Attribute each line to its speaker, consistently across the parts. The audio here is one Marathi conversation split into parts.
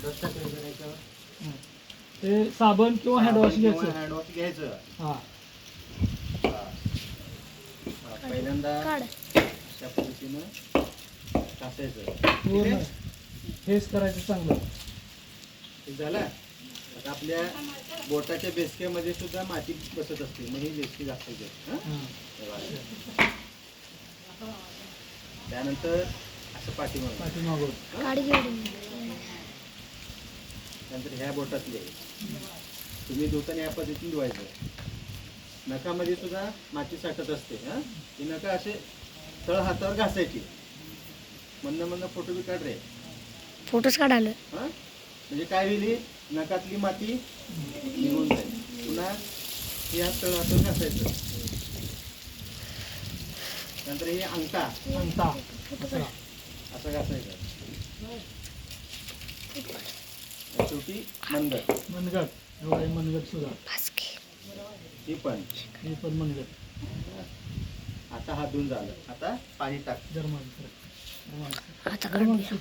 Speaker 1: ते साबण किंवा हँडवॉश घ्यायचं.
Speaker 2: हँडवॉश घ्यायचं.
Speaker 1: हा
Speaker 2: पहिल्यांदा अशा पद्धतीनं घासायचं.
Speaker 1: हेच करायचं चांगलं.
Speaker 2: हे झालं. आता आपल्या बोटाच्या बेसक्यामध्ये सुद्धा माती बसत असते, मग ही बेसकी घासायची. त्यानंतर असं पाठीमागून नंतर ह्या बोटातले तुम्ही धुताना या पद्धतीने धुवायचं. नखामध्ये सुद्धा माती साठत असते. ही नखं असे तळ हातावर घासायची. म्हणणं फोटो बी काढ रे.
Speaker 3: फोटोच काढाल.
Speaker 2: म्हणजे काय होईल, नखातली माती निघून जाईल. पुन्हा या तळ हातावर घासायचं. नंतर हे अंगठा असं घासायचं. शेवटी
Speaker 1: मनगट एवढा मनगट सुद्धा.
Speaker 2: ही पण
Speaker 1: मनगट.
Speaker 2: आता हात धुवून झालं. आता पाणी टाक.
Speaker 3: आता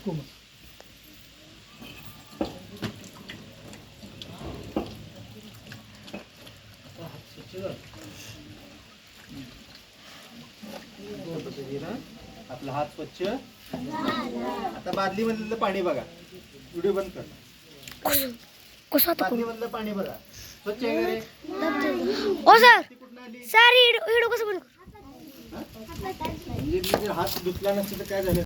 Speaker 2: आपला हात स्वच्छ. आता बादली मधलं पाणी बघा. व्हिडिओ बंद कर. बादली मधलं पाणी बघा. स्वच्छ आहे का रे?
Speaker 3: ओ सर सर व्हिडिओ कसं बंद?
Speaker 2: म्हणजे जर हात धुतला नसतं तर काय झालं.